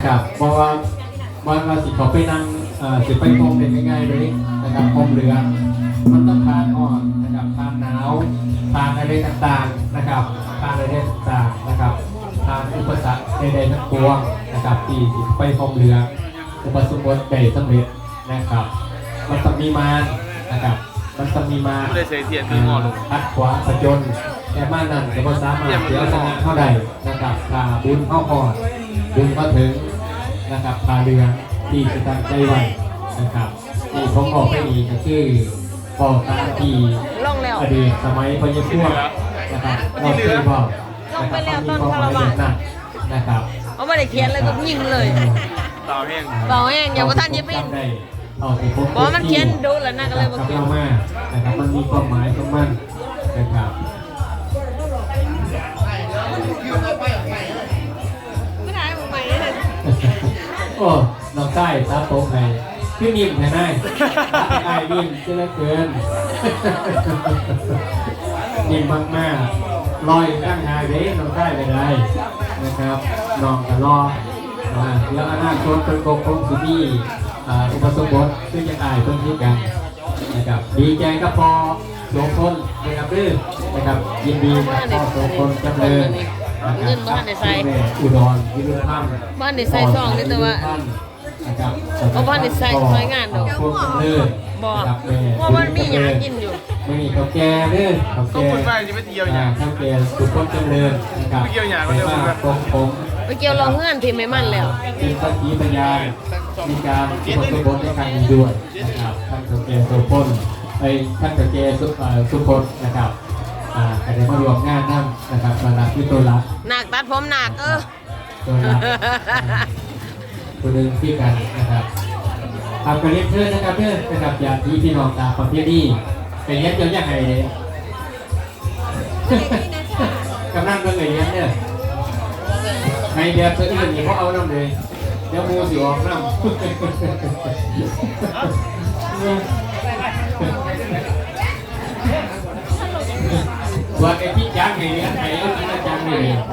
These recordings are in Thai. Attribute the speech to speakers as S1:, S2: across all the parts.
S1: นะครับเพราะว่าสิเขาไปนั่งสิไปพรมเป็นง่ายๆเลยนะครับพรมเรือมันต้องทานอ่อนนะครับทานหนาวทานอะไรต่างๆนะครับทานอะไรต่างๆนะครับทานอุปสรรคใดๆทั้งปวงนะครับที่ไปพรมเรืออุปสมบทได้สำเร็จนะครับมันต้องมีมานะครับมันต้องมีมาทัดขวาประจนแต่มานั่นจะภาษามาเสียสนะเท่าใดนะครับพาบุญเข้าก่อนบุญมาถึงนะครับพาเรือที่จะตั้งใจไว้นะครับที่ผมบอกไปนี้ก็คือบอกตามที่อดีตสมัยพญพวกนะครับเราเคยบอกนะครับมีความหมายแบบนั้นนะครับ
S2: เขาไม่ได้เขียนเลยก็ยิงเลยเบาแห้งอย่าว่าท่านยิบอินบอกมันเขียนดูแล้วนะก็เลยบอก
S1: เรามานะครับมันมีความหมายของมันนะครับ
S2: ไม่ได้ผมใหม่เลย
S1: โอ้น้องใต้ตาโตไงพี่นิ่มแน่นายไอ้นิ่มเจริญเกินนิ่มมากๆลอยตั้งหายเด้น้องใต้ไปได้นะครับน้องกันรอแล้วอนาคตเป็นกองสุนีอุปสมบทซึ่งยังอายเพิ่มขึ้นกันนะครับดีใจก็พอโสพลนะครับดื้อนะครับยินดีกับพ่อโสพลจำเริญ
S2: เงินบ้านในไซ
S1: อุดรวิรุณธรรม
S2: บ้านในไซซองนี่แต่ว่าเอาบ้านในไซซอยงานดอกบอกว่ามันมีอย่างกินอยู่
S1: ไม่มีข้าวแกงเด้อข้าวแกงข้าวแกงสุขภาพจำเริญนะครับไปมาผม
S2: ไปเกี่ยวรองเงื่อนที่ไม่มั่นแล้ว
S1: เป็นสักขีพยานมีการอุปสมบทในครั้งนี้ด้วยนะครับท่านข้าวแกงโสพลท่านข้าวแกงสุพจน์นะครับแต่ได้มารวมงานนั่งนะครับมาลักที่ตัวละ
S2: หนักตัดผมหนัก
S1: ตัวละตัวหนึ่งที่กันนะครับทำกระเรียนเชิญนะครับเพื่อนนะครับอย่างที่พี่น้องตาประเภทนี้เป็นยัดเยียดยังไงเนี่ยกำลังเป็นไงยัดเนี่ยในแบบเสื้ออื่นนี่เขาเอาน้ำเลยเดี๋ยวมูสิออกน้ำว่าไอ้พี่จ้างไงเนี่ยไอ้พี่จ้างไง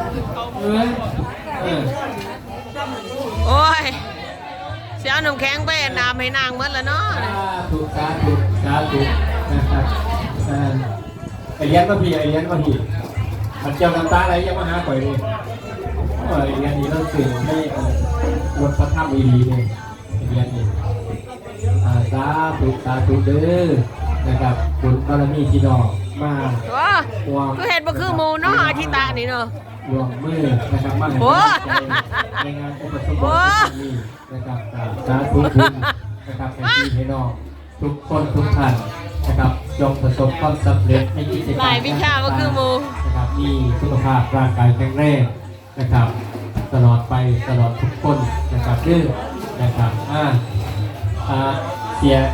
S2: โอ้ยเสียหนุ่มแข็งไปน้ำให้นางเมื่อแล้วเนาะ
S1: ถูกสาธุนะครับไอ้ยันมาพี่มันเจ้าน้ำตาอะไรยังมาหาข่อยเลยไอ้ยันนี่เราสื่อให้รถพระธรรมดีเลยไอ้ยันนี่สาธุเด้อนะครับบุญบารมีที่ดอกมา
S2: ก็เห็นบ่คือหมูเนาะอาทิตานี่เนาะ
S1: รวมมือนะครับมาในงานอุปสมบทนี้นะครับสาธุบุญนะครับให้พี่ให้น้องทุกคนทุกท่านนะครับจงประสบความสำเร็จในกิจกรรม
S2: หลายวิชาก็คือหมู
S1: นะครับมีสุขภาพร่างกายแข็งแรงนะครับตลอดไปตลอดทุกคนนะครับดื้อนะครับเสีย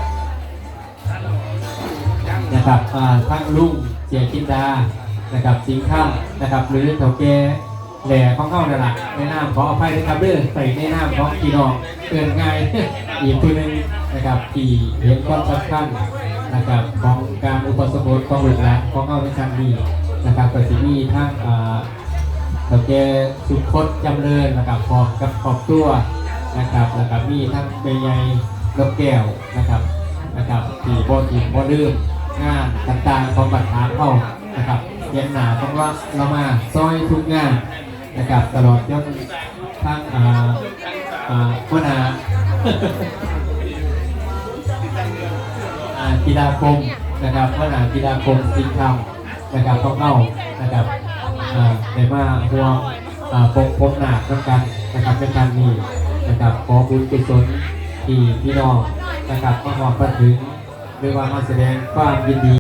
S1: นะครับทั้งลุงเสียกินดานะครับสิงห์ข้ามนะครับหรือเถาแก่แหล่ของเข้านั่นแหละในนามขออภัยนะครับเด้อใส่ในนามของพี่น้องเตือนง่ายอีกตัวหนึ่งนะครับที่เห็นความสำคัญนะครับของการอุปสมบทของหลวงหลานของเข้าในครั้งนี้นะครับก็สิมีทั้งเถาแก่สุขพจน์จำเริญนะครับขอบตัวนะครับแล้วก็มีทั้งเมย์ใหญ่นกแก้วนะครับที่บ่ดื้องานต่างๆของบัตรฐานเข้านะครับเย็นหนาต้องว่าเรามาซอยทุกงานนะครับตลอดจนทั้งหัวหน้ากีฬาคมนะครับหัวหน้ากีฬาคมสิงห์คำนะครับต้องเข้านะครับในมาห่วงพบหนาต้องกันนะครับในการนี้นะครับขอบุญกุศลที่พี่น้องนะครับมาบอกมาถึงหรือว่ามาแสดงความยินดี